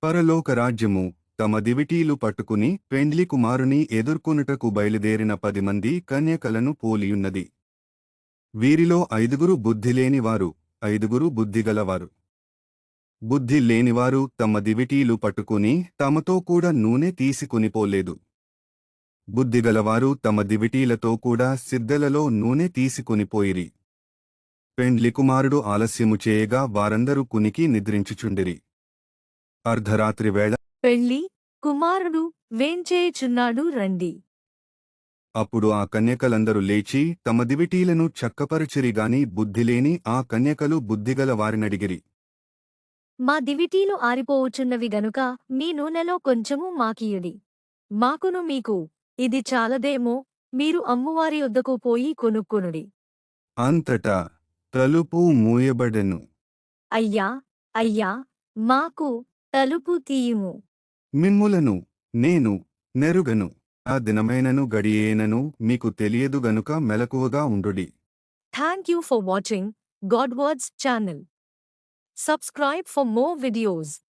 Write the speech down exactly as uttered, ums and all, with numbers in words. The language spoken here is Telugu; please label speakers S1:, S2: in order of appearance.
S1: పరలోకరాజ్యము తమ దివిటీలు పట్టుకుని పెండ్లి కుమారుని ఎదుర్కొనుటకు బయలుదేరిన పది మంది కన్యకలను పోలియున్నది. వీరిలో ఐదుగురు బుద్ధిలేనివారు, ఐదుగురు బుద్ధిగలవారు. బుద్ధి లేనివారు తమ దివిటీలు పట్టుకుని తమతో కూడా నూనె తీసుకునిపోలేదు. బుద్ధిగలవారు తమ దివిటీలతో కూడా సిద్ధలలో నూనె తీసుకునిపోయిరి. పెండ్లి కుమారుడు ఆలస్యము చేయగా వారందరూ కునికి నిద్రించుచుండిరి. అర్ధరాత్రి వేళ
S2: పెళ్లి కుమారుడు వేంచేయుచున్నాడు రండి.
S1: అప్పుడు ఆ కన్యకలందరూ లేచి తమ దివిటీలను చక్కపరచిరిగాని బుద్ధిలేని ఆ కన్యకలు బుద్ధిగల వారినడిగిరి.
S2: మా దివిటీలు ఆరిపోవుచున్నవి గనుక మీ నూనెలో కొంచెము మాకియుడి. మాకును మీకు ఇది చాలదేమో, మీరు అమ్మువారి యొద్దకు పోయి కొనుక్కొనుడి.
S1: అంతటా తలుపు మూయబడెను.
S2: అయ్యా అయ్యా మాకు తలుపు తీయుము.
S1: మిమ్ములను నేను నెరుగను. ఆ దినమైనను గడియేనను మీకు తెలియదు గనుక మెలకువగా ఉండుడి.
S2: Thank you for watching Godwords channel. Subscribe for more videos.